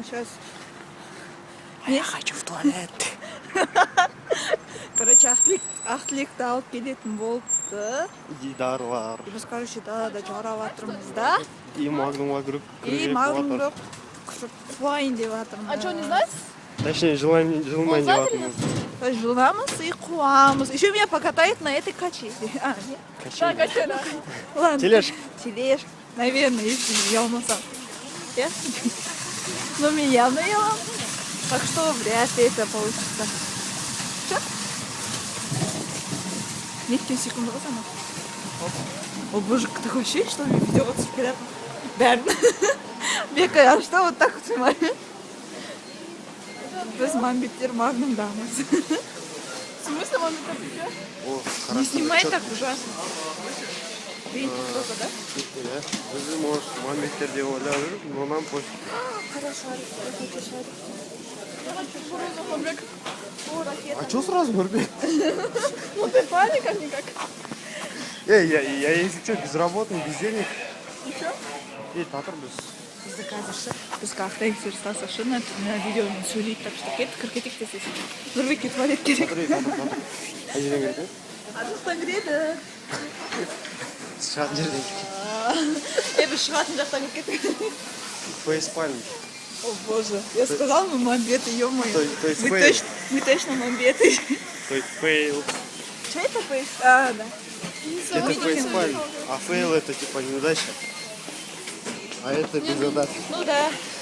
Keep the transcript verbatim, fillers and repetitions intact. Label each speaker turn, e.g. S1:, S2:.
S1: сейчас...
S2: А я хочу в туалет.
S1: Короче, ақтілікті алып келетін болыпты.
S2: Дидарлар.
S1: И біз, короче, далада жарап жатырмыз да.
S2: И магнумға кіріп
S1: И магнумды қуайын деп жатырмыз.
S3: А что, не знаете?
S2: Точнее, жылмайын деп жатырмыз.
S1: То есть жыламыз и қуамыз. Еще меня покатает на этой качели. А, нет?
S3: Да, качеля.
S1: Ладно.
S2: Тележка.
S1: Тележка. Наверное, если я умылсам. Я? Ну, меня наела. Так что вряд ли это получится. Что? Несколько секунд назад. О боже, такое ощущение, что мне ведется прям. Бәрін. Бека, а что вот так вот снимаем? Біз мамбеттер магнумдамыз.
S3: В смысле, маме так идет?
S2: О,
S1: Не
S2: хорошо.
S1: снимай
S2: Чё-
S1: так ужасно. Видите, кто-то, да?
S2: Иә. Бізді, может, мамбеттер деп ойлап жүр, но нам пофиг.
S1: Хорошо, я хочу шарик.
S3: Я хочу кукурузу, Мамбек.
S1: О, ракета.
S2: А чё сразу Нурбек?
S3: Ну ты парень как-никак.
S2: Эй, я, я, если что, безработный, без денег.
S3: И чё?
S2: Ей, татырбыз.
S1: Бізді қазір ше, біз қақтай сырстасы ше, на видеомен сөйлейді, так что кеттік, кір кетейік десесің. Нұрбекке туалет керек.
S2: Татыр, татыр, татыр. Қай жерден керек, е?
S1: Адықтан кіреді.
S2: Шығатын жерден керек.
S1: Е, біз шығатын жақтан кеттік.
S2: Фейспальм.
S1: О боже, я сказал, мы мамбеты, ё-моё.
S2: То- то есть
S1: Мы
S2: фейл.
S1: точно, мы точно мамбеты.
S2: То есть фейл.
S1: Что это фейс? А, да.
S2: Это
S1: Видите?
S2: фейспальм. А фейл это типа неудача. А это без задачи.
S1: Ну да.